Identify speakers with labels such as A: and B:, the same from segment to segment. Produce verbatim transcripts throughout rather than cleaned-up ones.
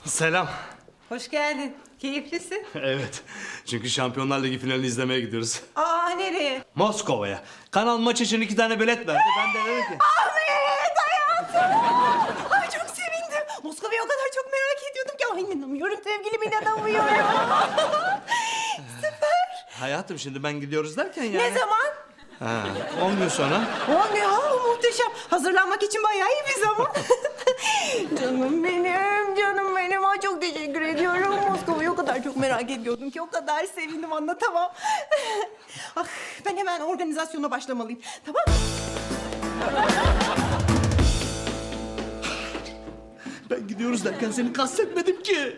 A: Selam.
B: Hoş geldin. Keyiflisin.
A: Evet. Çünkü Şampiyonlar Ligi finalini izlemeye gidiyoruz.
B: Aa, nereye?
A: Moskova'ya. Kanal maç için iki tane bilet verdi. Ben de dedim ki...
B: Ahmet hayatım. Ay çok sevindim. Moskova'yı o kadar çok merak ediyordum ki. Ay inanamıyorum sevgilim, inanamıyorum. Süper.
A: Hayatım şimdi ben gidiyoruz derken yani...
B: Ne zaman?
A: Ha, on gün sonra.
B: On gün. Aa, muhteşem. Hazırlanmak için bayağı iyi bir zaman. Canım benim, canım benim. Ay çok teşekkür ediyorum. Moskova'yı o kadar çok merak ediyordum ki. O kadar sevindim, anlatamam. Ah, ben hemen organizasyona başlamalıyım. Tamam mı?
A: Ben gidiyoruz derken seni kastetmedim ki.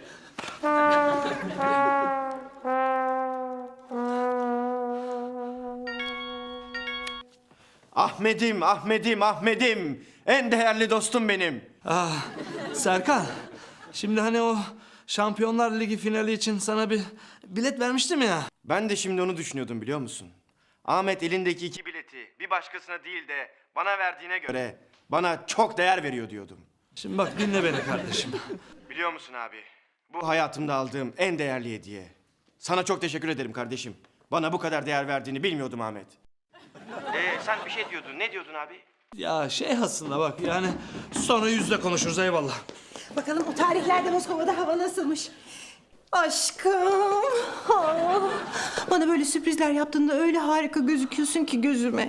C: Ahmet'im, Ahmet'im, Ahmet'im. En değerli dostum benim.
A: Ah, Serkan. Şimdi hani o Şampiyonlar Ligi finali için sana bir bilet vermiştim ya.
C: Ben de şimdi onu düşünüyordum biliyor musun? Ahmet elindeki iki bileti bir başkasına değil de bana verdiğine göre bana çok değer veriyor diyordum.
A: Şimdi bak dinle beni kardeşim.
C: Biliyor musun abi? Bu hayatımda aldığım en değerli hediye. Sana çok teşekkür ederim kardeşim. Bana bu kadar değer verdiğini bilmiyordum Ahmet. Ee, sen bir şey diyordun. Ne diyordun abi?
A: Ya şey aslında bak yani sonra yüzle konuşuruz eyvallah.
B: Bakalım o tarihlerde Moskova'da hava nasılmış? Aşkım. Ah, bana böyle sürprizler yaptığında öyle harika gözüküyorsun ki gözüme.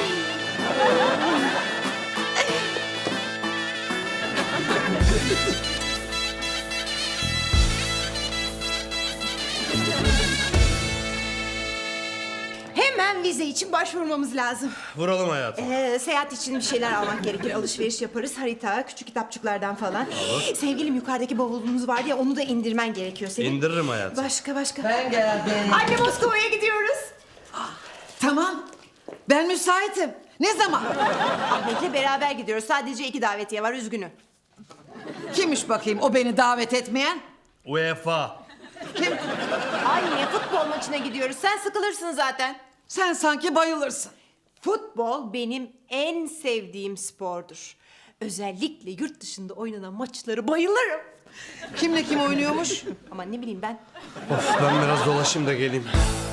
B: Hemen vize için başvurmamız lazım.
A: Vuralım hayatım.
B: Ee, seyahat için bir şeyler almak gerekir. Alışveriş yaparız. Harita, küçük kitapçıklardan falan. Sevgilim yukarıdaki bavulumuz vardı ya, onu da indirmen gerekiyor senin.
A: İndiririm hayatım.
B: Başka başka.
D: Ben geldim.
B: Anne, Moskova'ya gidiyoruz.
D: Tamam. Ben müsaitim. Ne zaman?
B: Ahmet'le beraber gidiyoruz. Sadece iki davetiye var, üzgünüm.
D: Kimmiş bakayım o beni davet etmeyen?
A: UEFA.
D: Kim?
B: Anne, futbol maçına gidiyoruz. Sen sıkılırsın zaten.
D: Sen sanki bayılırsın.
B: Futbol benim en sevdiğim spordur. Özellikle yurt dışında oynanan maçları bayılırım.
D: Kimle kim oynuyormuş?
B: Ama ne bileyim ben.
A: Of ben biraz dolaşayım da geleyim.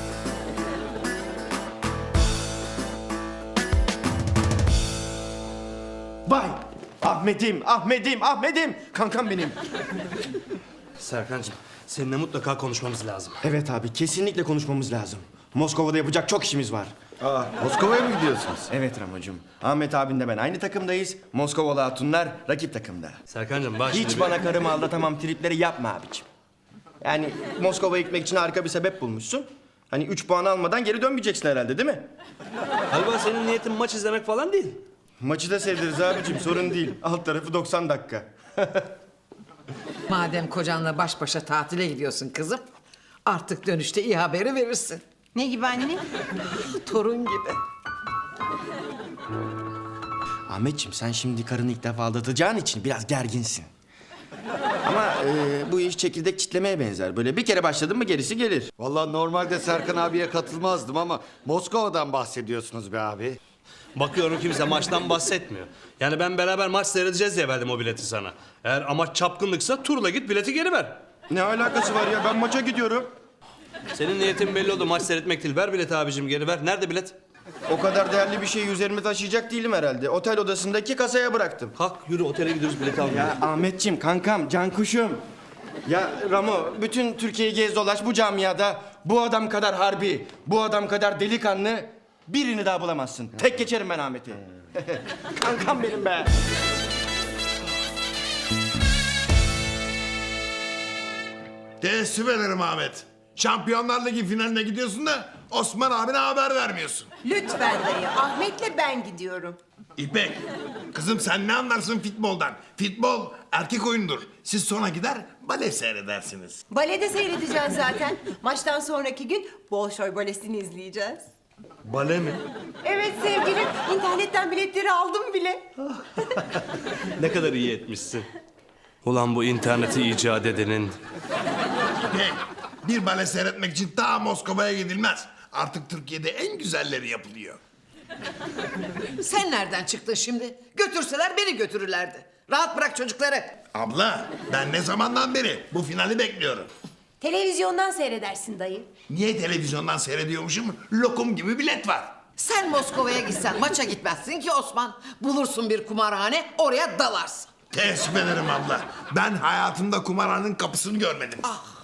C: Vay! Ahmet'im, Ahmet'im, Ahmet'im. Kankam benim.
A: Serkancığım seninle mutlaka konuşmamız lazım.
C: Evet abi, kesinlikle konuşmamız lazım. Moskova'da yapacak çok işimiz var.
E: Aa, Moskova'ya mı gidiyorsunuz?
C: Evet Ramocuğum. Ahmet abinle ben aynı takımdayız. Moskovalı hatunlar rakip takımda.
A: Serkancığım bak şimdi
C: Hiç
A: bir-
C: bana karımı aldatamam tripleri yapma abicim. Yani Moskova'ya gitmek için harika bir sebep bulmuşsun. Hani üç puan almadan geri dönmeyeceksin herhalde değil mi?
A: Galiba senin niyetin maç izlemek falan değil.
C: Maçı da sevdiriz abicim, sorun değil. Alt tarafı doksan dakika.
D: Madem kocanla baş başa tatile gidiyorsun kızım, artık dönüşte iyi haberi verirsin.
B: Ne gibi anne?
D: Torun gibi.
C: Ahmetciğim sen şimdi karını ilk defa aldatacağın için biraz gerginsin. Ama e, bu iş çekirdek çitlemeye benzer. Böyle bir kere başladın mı gerisi gelir.
E: Vallahi normalde Serkan abiye katılmazdım ama Moskova'dan bahsediyorsunuz be abi.
A: Bakıyorum kimse maçtan bahsetmiyor. Yani ben beraber maç seyredeceğiz diye verdim o bileti sana. Eğer amaç çapkınlıksa turla git bileti geri ver.
C: Ne alakası var ya, ben maça gidiyorum.
A: Senin niyetin belli oldu, maç seyretmek değil. Ver bileti abicim, geri ver. Nerede bilet?
C: O kadar değerli bir şeyi üzerime taşıyacak değilim herhalde. Otel odasındaki kasaya bıraktım.
A: Kalk yürü, otele gidiyoruz, bileti almaya.
C: Ya Ahmetciğim, kankam, cankuşum. Ya Ramo, bütün Türkiye'yi gez dolaş bu camiada. Bu adam kadar harbi, bu adam kadar delikanlı birini daha bulamazsın. Tek geçerim ben Ahmet'i. Kankam benim be.
F: Teessüf ederim Ahmet. Şampiyonlar Ligi finaline gidiyorsun da Osman abine haber vermiyorsun.
B: Lütfen dayı. Ahmet'le ben gidiyorum.
F: İpek, kızım sen ne anlarsın futboldan? Futbol erkek oyundur. Siz sonra gider bale seyredersiniz.
B: Balede seyredeceğiz zaten. Maçtan sonraki gün Bolşoy balesini izleyeceğiz.
A: Bale mi?
B: Evet sevgilim. İnternetten biletleri aldım bile.
A: Ne kadar iyi etmişsin. Ulan bu interneti icat edenin.
F: İpek, bir bale seyretmek için ta Moskova'ya gidilmez. Artık Türkiye'de en güzelleri yapılıyor.
D: Sen nereden çıktın şimdi? Götürseler beni götürürlerdi. Rahat bırak çocukları.
F: Abla ben ne zamandan beri bu finali bekliyorum.
B: Televizyondan seyredersin dayı.
F: Niye televizyondan seyrediyormuşum? Lokum gibi bilet var.
D: Sen Moskova'ya gitsen maça gitmezsin ki Osman. Bulursun bir kumarhane, oraya dalarsın.
F: Teessüf ederim abla. Ben hayatımda kumarhanenin kapısını görmedim.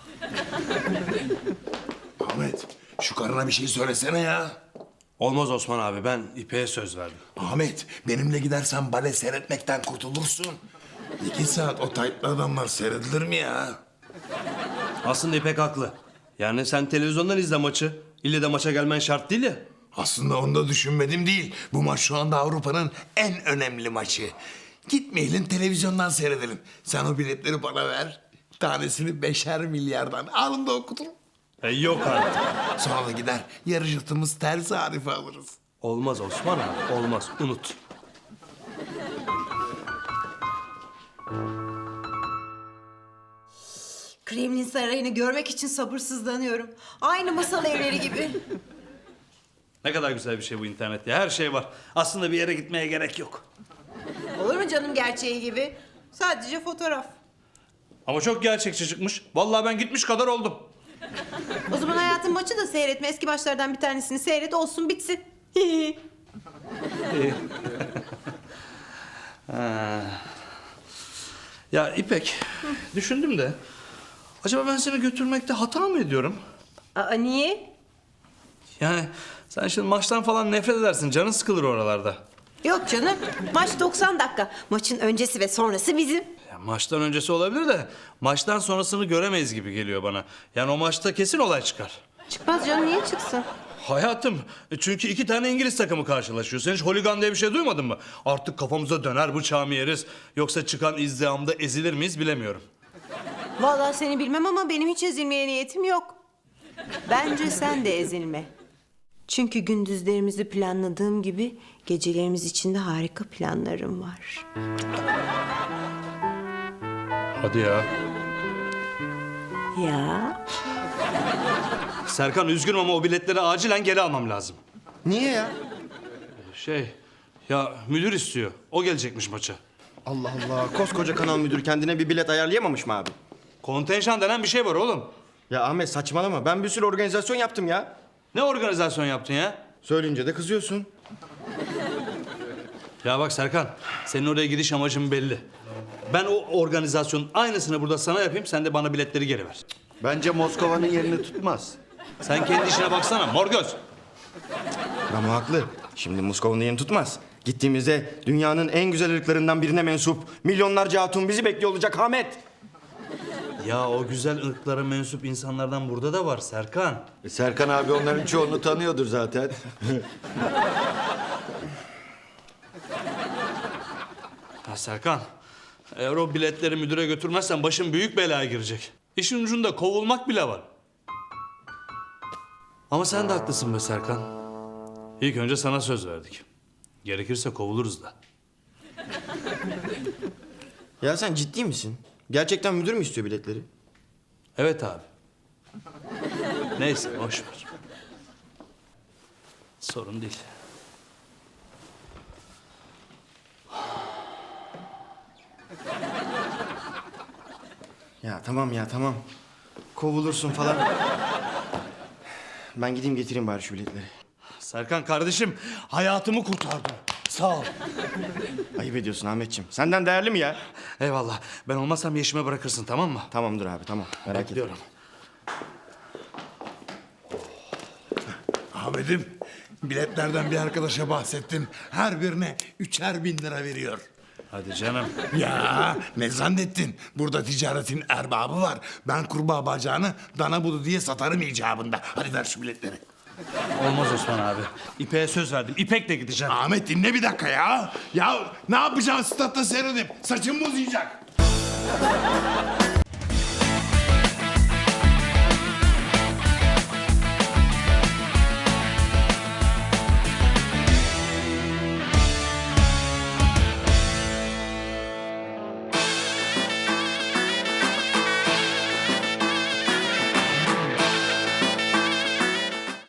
F: Ahmet şu karına bir şey söylesene ya.
A: Olmaz Osman abi, ben İpek'e söz verdim.
F: Ahmet benimle gidersen bale seyretmekten kurtulursun. İki saat o taytlı adamlar seyredilir mi ya?
A: Aslında İpek haklı. Yani sen televizyondan izle maçı. İlle de maça gelmen şart değil ya.
F: Aslında onu da düşünmedim değil. Bu maç şu anda Avrupa'nın en önemli maçı. Gitmeyelim televizyondan seyredelim. Sen o biletleri bana ver. Tanesini beşer milyardan alın da okuturum.
A: E, yok artık.
F: Sonra da gider yarı yırtımız ters harife alırız.
A: Olmaz Osman abi, olmaz. Unut.
B: Kremlin Sarayı'nı görmek için sabırsızlanıyorum. Aynı masal evleri gibi.
A: Ne kadar güzel bir şey bu internet ya. Her şey var. Aslında bir yere gitmeye gerek yok.
B: Olur mu canım gerçeği gibi? Sadece fotoğraf.
A: Ama çok gerçekçi çıkmış. Vallahi ben gitmiş kadar oldum.
B: O zaman hayatın maçı da seyretme. Eski maçlardan bir tanesini seyret olsun bitsin.
A: Ya İpek, düşündüm de... Acaba ben seni götürmekte hata mı ediyorum?
B: Aa niye?
A: Yani sen şimdi maçtan falan nefret edersin. Canın sıkılır oralarda.
B: Yok canım. Maç doksan dakika. Maçın öncesi ve sonrası bizim.
A: Ya maçtan öncesi olabilir de... Maçtan sonrasını göremeyiz gibi geliyor bana. Yani o maçta kesin olay çıkar.
B: Çıkmaz canım niye çıksın?
A: Hayatım, çünkü iki tane İngiliz takımı karşılaşıyor. Sen hiç holigan diye bir şey duymadın mı? Artık kafamıza döner bıçağı mı yeriz? Yoksa çıkan izdihamda ezilir miyiz bilemiyorum.
B: Vallahi seni bilmem ama benim hiç ezilmeye niyetim yok. Bence sen de ezilme. Çünkü gündüzlerimizi planladığım gibi gecelerimiz için de harika planlarım var.
A: Hadi ya.
B: Ya
A: Serkan üzgünüm ama o biletleri acilen geri almam lazım.
C: Niye ya?
A: Şey, ya müdür istiyor. O gelecekmiş maça.
C: Allah Allah. Koskoca kanal müdürü kendine bir bilet ayarlayamamış mı abi?
A: Kontenjan denen bir şey var oğlum.
C: Ya Ahmet saçmalama. Ben bir sürü organizasyon yaptım ya.
A: Ne organizasyon yaptın ya?
C: Söyleyince de kızıyorsun.
A: Ya bak Serkan, senin oraya gidiş amacın belli. Ben o organizasyonun aynısını burada sana yapayım, sen de bana biletleri geri ver.
E: Bence Moskova'nın yerini tutmaz.
A: Sen kendi işine baksana, mor göz.
C: Ramo haklı. Şimdi Moskova'nın yerini tutmaz. Gittiğimizde dünyanın en güzel ırklarından birine mensup milyonlarca hatun bizi bekliyor olacak Ahmet.
A: Ya o güzel ırklara mensup insanlardan burada da var Serkan.
E: E, Serkan abi onların çoğunu tanıyordur zaten.
A: Ya Serkan, eğer o biletleri müdüre götürmezsen başın büyük belaya girecek. İşin ucunda kovulmak bile var. Ama sen de haklısın be Serkan. İlk önce sana söz verdik. Gerekirse kovuluruz da.
C: Ya sen ciddi misin? Gerçekten müdür mü istiyor biletleri?
A: Evet abi. Neyse boş ver. Sorun değil.
C: Ya tamam ya tamam. Kovulursun falan. Ben gideyim getireyim bari şu biletleri.
A: Serkan kardeşim, hayatımı kurtardın. Sağ ol.
C: Ayıp ediyorsun Ahmetciğim. Senden değerli mi ya?
A: Eyvallah. Ben olmazsam yeşime bırakırsın, tamam mı?
C: Tamamdır abi tamam. Merak etme.
A: Bekliyorum.
F: Ahmet'im biletlerden bir arkadaşa bahsettim. Her birine üçer bin lira veriyor.
A: Hadi canım.
F: Ya ne zannettin? Burada ticaretin erbabı var. Ben kurbağa bacağını dana budu diye satarım icabında. Hadi ver şu biletleri.
A: Olmaz Osman abi. İpek'e söz verdim. İpek'le gideceğim.
F: Ahmet dinle bir dakika ya. Ya ne yapacaksın statta seyredip? Saçım uzayacak.